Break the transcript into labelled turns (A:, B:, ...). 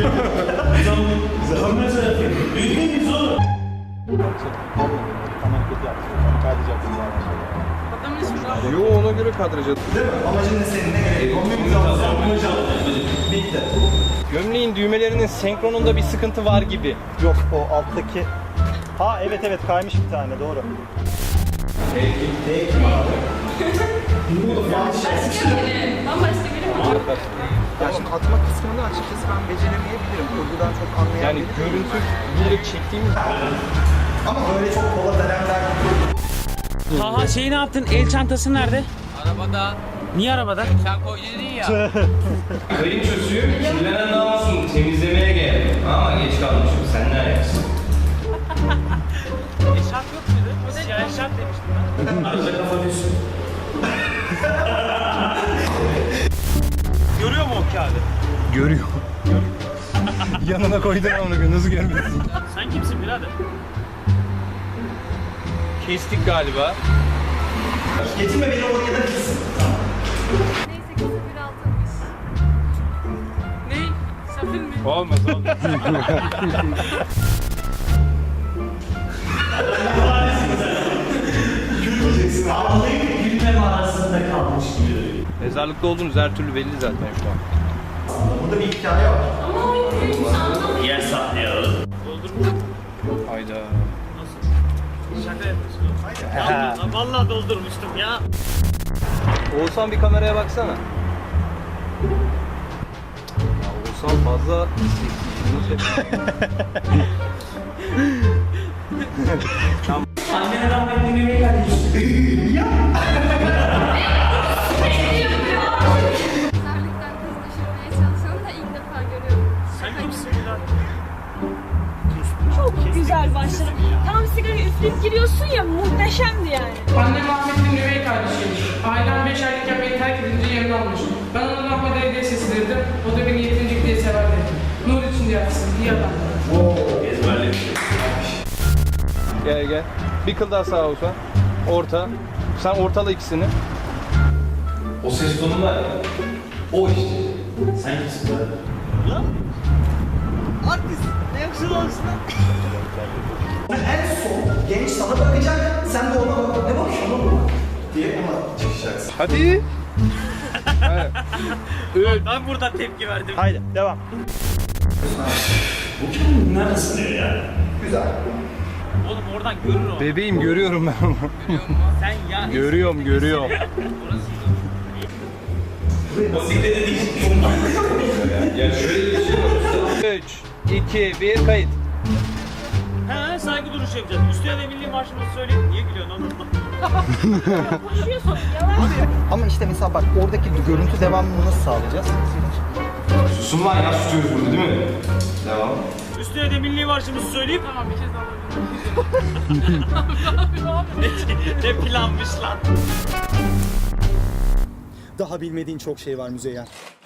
A: Zaman mesela yapayım. Büyütmeyiz oğlum.
B: Tamam kötü yaptın. Kaydedeceksin zaten.
C: Adamın ismi
D: Yo ona göre kadraja.
B: Değil mi? Amacın ne senin? Ne gerek? Kombimizi alacağım. Bitti.
D: Gömleğin düğmelerinin senkronunda bir sıkıntı var gibi.
B: Yok o alttaki... Ha evet kaymış bir tane doğru. Değil mi abi?
C: başka biri. Bambaşka biri mi?
B: Ya şimdi atma kısmını açıkçası ben beceremeyebilirim. Kurgudan çok anlayan
D: Yani
B: biri
D: görüntü
B: değilim.
D: direkt çektiğimiz
B: Ama böyle çok polat elemler...
E: Taha ne yaptın? El çantası nerede?
F: Arabada.
E: Niye arabada?
F: Sen koy dedin ya.
D: kayınçosu kirlenen namusunu temizlemeye geldi. Ama geç kalmışım. Sen ne ayaksın?
E: Eşarp yok muydu? Siyah eşarp demiştim ben.
A: Arada kafa düşsün.
E: Görüyor mu o kağıdı?
D: Görüyor. Yanına koydun onu nasıl görmüyorsun?
E: Sen kimsin birader?
D: Kestik galiba.
B: Getirme beni oraya da gitsin.
C: Neyse ki 06'mış. Ne? Safir mi?
D: Olmaz olmaz.
B: Gülmeyeceksin.
A: Ağlayıp gülmem arasında kalmış gibi.
D: Mezarlıkta olduğunuz her türlü belli zaten şu an.
B: Burada bir hikaye var.
C: Ama o neymiş anlamadım.
A: Yer saklayalım.
E: Doldurmuş.
D: Hayda.
E: Nasıl? Şaka yapıyorsun oğlum. Vallahi doldurmuştum ya.
D: Oğuzhan bir kameraya baksana. Ya Oğuzhan fazla
A: Annene rahmetli Mehmet kardeşim.
C: Mezarlıktan kız düşürmeye çalışanı da ilk defa görüyorum.
E: Sen kimsin birader?
G: Çok güzel başladı. Tam sigarayı üfleyip giriyorsun ya, muhteşemdi yani.
H: Annem rahmetli üvey kardeşiymiş. Ailem 5 aylıkken beni terk edince yerini almış. Ben ona rahmet diye seslenirdim. O da beni yetincik diye severdi. Nur içinde yatsın. İyi adam.
A: Ezberlemiş.
D: Gel gel. Bir kıl daha sağa Oğuzhan. Orta. Sen ortala ikisini.
A: O ses tonu var ya. O işte. Sen kimsin lan?
B: En son genç sana bakacak, sen de ona bak. Ne bakıyorsun oğlum? Diye ona çıkacaksın.
D: Hadi.
E: Ben burada tepki verdim.
B: Haydi devam.
A: Bu kim? Neredesin diyor ya?
B: Güzel.
E: Oğlum oradan görür o.
D: Bebeğim görüyorum ben onu.
E: Sen ya.
D: Görüyorum.
A: O dikkate değil.
D: Ya şöyle bir şey 3, 2, 1 kayıt.
E: He saygı duruşu yapacağız. Üstüne de milli marşımızı söyleyin. Niye gülüyorsun oğlum?
G: Konuşuyorsun, yavaş.
B: Ama işte mesela bak oradaki görüntü devamını nasıl sağlayacağız?
D: Susun lan ya tutuyoruz burada değil mi? Devam.
E: Üstüne de milli marşımızı söyleyip
H: Tamam bir kez daha alabilirim.
E: ne planmış lan?
B: Daha bilmediğin çok şey var Müzeyyen.